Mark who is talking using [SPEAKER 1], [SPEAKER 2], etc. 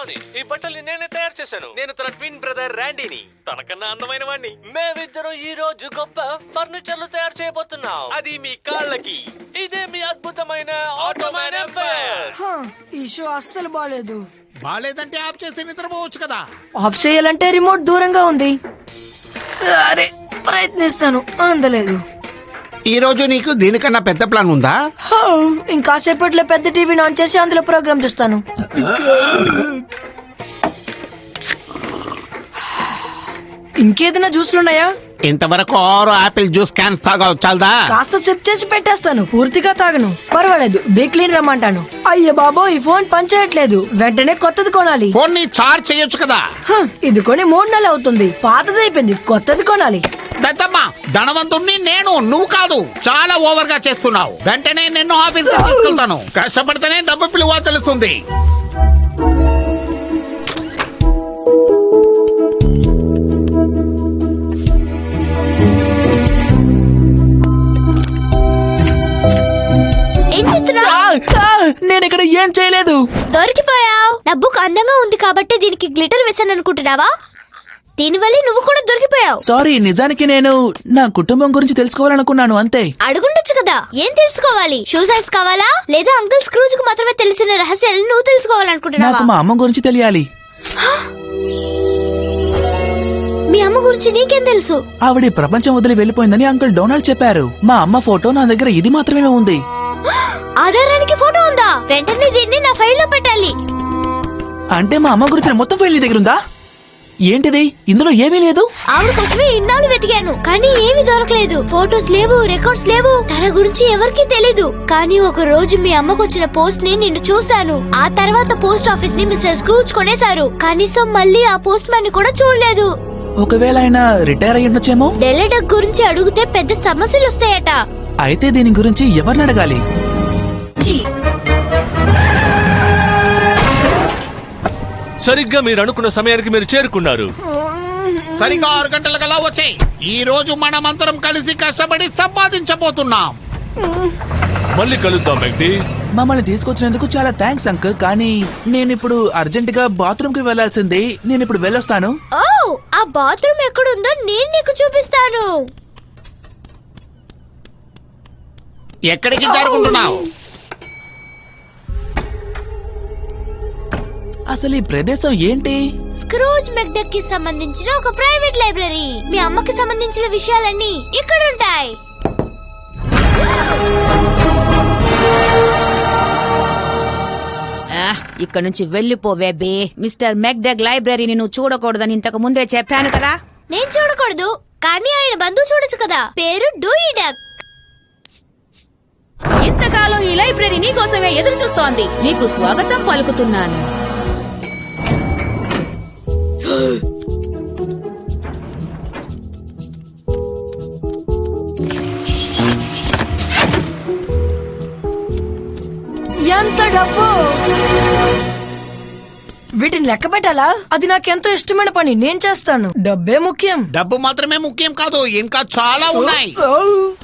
[SPEAKER 1] Brownie. ఈ బట్టలు నేనే తయారు చేశాను.
[SPEAKER 2] నేను తన ట్విన్ బ్రదర్ ర్యాండీని, తనకన్నా అందమైన వాణ్ణి.
[SPEAKER 1] మేమిద్దరం ఈ రోజు గొప్ప ఫర్నిచర్లు తయారు చేయబోతున్నాం.
[SPEAKER 2] అది మీ కాళ్ళకి.
[SPEAKER 1] ఇదే మీ అద్భుతమైన ఆటోమేన్ ఎంపైర్.
[SPEAKER 3] ఈ షో అస్సలు బాలేదు.
[SPEAKER 4] బాలేదంటే ఆఫ్ చేసి నిద్రపోవచ్చు కదా.
[SPEAKER 3] ఆఫ్ చేయాలంటే రిమోట్ దూరంగా ఉంది. సరే ప్రయత్నిస్తాను. అందలేదు.
[SPEAKER 4] ఈ రోజు నీకు దీనికన్నా పెద్ద ప్లాన్ ఉందా?
[SPEAKER 3] ఇంకాసేపట్లో పెద్ద టీవీని ఆన్ చేసి అందులో ప్రోగ్రామ్ చూస్తాను. ఇంకేదైనా జ్యూస్లున్నాయా?
[SPEAKER 4] ఇంతవరకు 6 ఆపిల్ జ్యూస్ క్యాన్స్ తాగావు, చాలదా?
[SPEAKER 3] కాస్త సిప్ చేసి పెట్టేస్తాను, పూర్తిగా తాగను. పర్వాలేదు, బిగ్ క్లీన్ రమ్మంటాను. అయ్య బాబో, ఈ ఫోన్ పనిచేయట్లేదు. వెంటనే కొత్తది కొనాలి.
[SPEAKER 4] ఫోన్ ని చార్జ్ చేయొచ్చు కదా.
[SPEAKER 3] ఇది కొని 3 నెలలు అవుతుంది. పాతదైపోయింది, కొత్తది కొనాలి.
[SPEAKER 4] పెద్దమ్మ, ధనవంతుణ్ణి నేను, నువ్వు కాదు. చాలా ఓవర్ గా చేస్తున్నావు. వెంటనే నిన్ను ఆఫీస్ తీసుకెళ్తాను. కష్టపడితేనే డబ్బు పిలువ తెలుస్తుంది.
[SPEAKER 5] నేను ఇక్కడ ఏం చేయలేదు.
[SPEAKER 6] దొరికిపోయావు. నా బుక్ అందంగా ఉంది కాబట్టి దీనికి గ్లిటర్ వేసాను అనుకుంటున్నావా? దీనివల్ల నువ్వు కూడా దొరికిపోయావు.
[SPEAKER 5] సారీ, నిజానికి నేను నా కుటుంబం గురించి తెలుసుకోవాలనుకున్నాను, అంతే.
[SPEAKER 6] అడుగుండొచ్చు కదా. ఏం తెలుసుకోవాలి? షూ సైజ్ కావాలా లేదా అంకుల్ స్క్రూజ్ కు మాత్రమే తెలిసిన రహస్యాలను నువ్వు తెలుసుకోవాలనుకుంటున్నావా?
[SPEAKER 5] నాకు మా అమ్మ గురించి తెలియాలి.
[SPEAKER 6] మీ అమ్మ గురించి నీకేం తెలుసు?
[SPEAKER 5] ఆవిడ ప్రపంచం వదిలి వెళ్లిపోయిందని అంకుల్ డొనాల్డ్ చెప్పారు. మా అమ్మ ఫోటో నా దగ్గర ఇది మాత్రమే ఉంది.
[SPEAKER 6] ఆధారానికి ఫోటో ఉందా? వెంటనే దీన్ని నా ఫైల్లో పెట్టాలి.
[SPEAKER 5] అంటే మా అమ్మ గురించి మొత్తం ఫైల్ నీ దగ్గర ఉందా? ఏంటిది? ఇందులో ఏమీ లేదు.
[SPEAKER 6] ఆవిడ కోసమే ఇన్నాళ్ళు వెతికాను, కానీ ఏమీ దొరకలేదు. ఫోటోస్ లేవు, రికార్డ్స్ లేవు. తన గురించి ఎవరికీ తెలీదు. కానీ ఒక రోజు మీ అమ్మకు వచ్చిన పోస్ట్ ని నిన్ను చూశాను. ఆ తర్వాత పోస్ట్ ఆఫీస్ ని మిస్టర్ స్క్రూజ్ కొనేశారు. కనీసం మళ్ళీ ఆ పోస్ట్ మ్యాన్ ని కూడా చూడలేదు.
[SPEAKER 5] ఒకవేళ ఆయన రిటైర్ అయ్యి ఉండొచ్చేమో.
[SPEAKER 6] డెలిడక్ గురించి అడిగితే పెద్ద సమస్యలు వస్తాయట.
[SPEAKER 5] అయితే దీని గురించి ఎవరిని అడగాలి?
[SPEAKER 1] సరిగ్గా మీరు అనుకున్న సమయానికి మీరు చేరుకున్నారు.
[SPEAKER 4] సరిగ్గా 6 గంటలకల్లా వచ్చాయి. ఈ రోజు మనమందరం కలిసి కష్టపడి సంపాదించబోతున్నాం.
[SPEAKER 1] మళ్ళీ కలుద్దాం మెగ్డీ.
[SPEAKER 5] మమ్మల్ని తీసుకొచ్చినందుకు చాలా థ్యాంక్స్ అంకుల్. కానీ నేనిప్పుడు అర్జెంట్ గా బాత్రూమ్ కి వెళ్లాల్సింది. నేను ఇప్పుడు వెళ్ళొస్తాను.
[SPEAKER 6] ఓ, ఆ బాత్రూమ్ ఎక్కడుందో నేను నీకు చూపిస్తాను.
[SPEAKER 4] ఎక్కడికి జరుగుతున్నావు?
[SPEAKER 5] అసలు ఈ ప్రదేశం ఏంటి?
[SPEAKER 6] స్క్రూజ్ మెక్డక్ కి సంబంధించిన ఒక ప్రైవేట్ లైబ్రరీ. మీ అమ్మకి సంబంధించిన విషయాలన్నీ ఇక్కడ ఉంటాయి.
[SPEAKER 7] ఇక్కడ నుంచి వెళ్లిపోవే బే. మిస్టర్ మెక్డగ్ లైబ్రరీని నువ్వు చూడకూడదని ఇంతకు ముందే చెప్పాను కదా.
[SPEAKER 6] నేను చూడకూడదు, కానీ ఆయన బంధువు చూడొచ్చు కదా. పేరు డూయి డక్.
[SPEAKER 7] ఇంతకాలం ఈ లైబ్రరీ నీ కోసమే ఎదురు చూస్తోంది. నీకు స్వాగతం పలుకుతున్నాను.
[SPEAKER 3] ఎంత డబ్బు! వీటిని లెక్క పెట్టాలా? అది నాకెంతో ఇష్టమైన పని, నేను చేస్తాను. డబ్బే ముఖ్యం.
[SPEAKER 4] డబ్బు మాత్రమే ముఖ్యం కాదు, ఇంకా చాలా ఉన్నాయి.